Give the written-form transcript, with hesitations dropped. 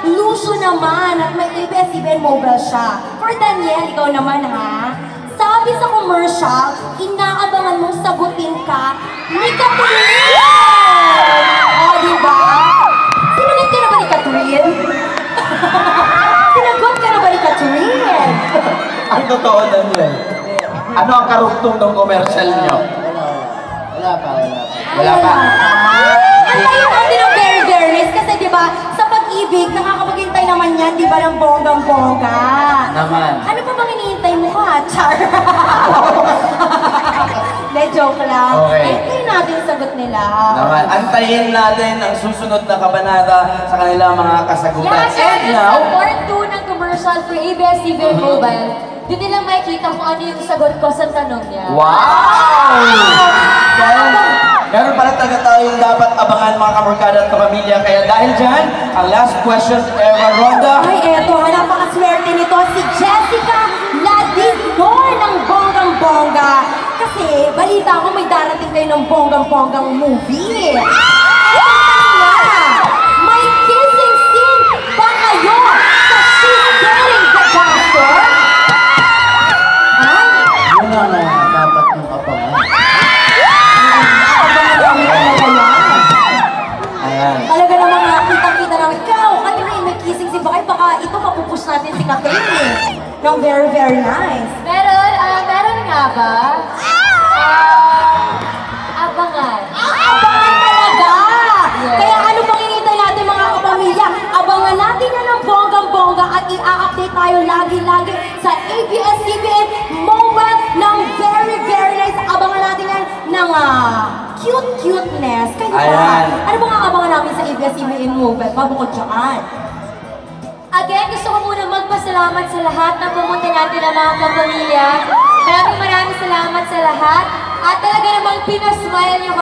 Lucio naman at may ABS-CBN mobile siya. For Daniel, ikaw naman ha. Sabi sa commercial, inaabangan mong sagutin ka ni Catherine! O, diba? Sinagot ka na ba ni Catherine? Sinagot ka na ba ni Catherine? Ang totoo, Daniel. Ano ang karugtong ng commercial niyo? Wala pa. Wala pa. Ang tayo natin ng very, very nice kasi diba, sa pag-ibig, nakakapaghintay naman yan, diba, ng bonggang-bongga. Naman. Ano pa bang hinihintay mo ka, Char? De, joke lang. Okay. Hintayin natin yung sagot nila. Naman. Antayin natin ang susunod na kabanata sa kanilang mga kasagutan. Yeah, And so now, sa part 2 ng commercial for ABS-CBN Mobile, doon nilang makikita kung ano yung sagot ko sa tanong niya. wow! Meron pala talaga tayong dapat abangan mga kamorkada at kapamilya. Kaya dahil dyan, ang last question ever, Rhonda. Ay, eto, napakaswerte nito si Jessica Ladidor ng bonggang-bongga. Kasi balita ko may darating kayo ng bonggang-bonggang movie. May kissing scene ba kayo sa She's Getting the Doctor? Ay, Yun ang dapat mong abangan. abangan kami talaga yan. Ayan. Talaga namang nakita-kita namin, ikaw, Catherine, may kissing scene ba kayo? Baka ito mapupush natin si Catherine eh. No, very, very nice. Meron nga ba? Abangan. Abangan talaga! Yes. Kaya ano pang hinihintay natin mga kapamilya? Abangan natin yan ng bonggang-bongga at i-update tayo lagi-lagi sa ABS-CBN Mobile ng very, very nice. Abangan natin yan ng cute-cuteness. Kaya Ayan. ano bang abangan namin sa ABS-CBN Mobile? Pabukod dyan. Again, gusto ko muna magpasalamat sa lahat na pumunta natin ng mga kapamilya. Maraming salamat sa lahat. At talaga namang pinasmile niyo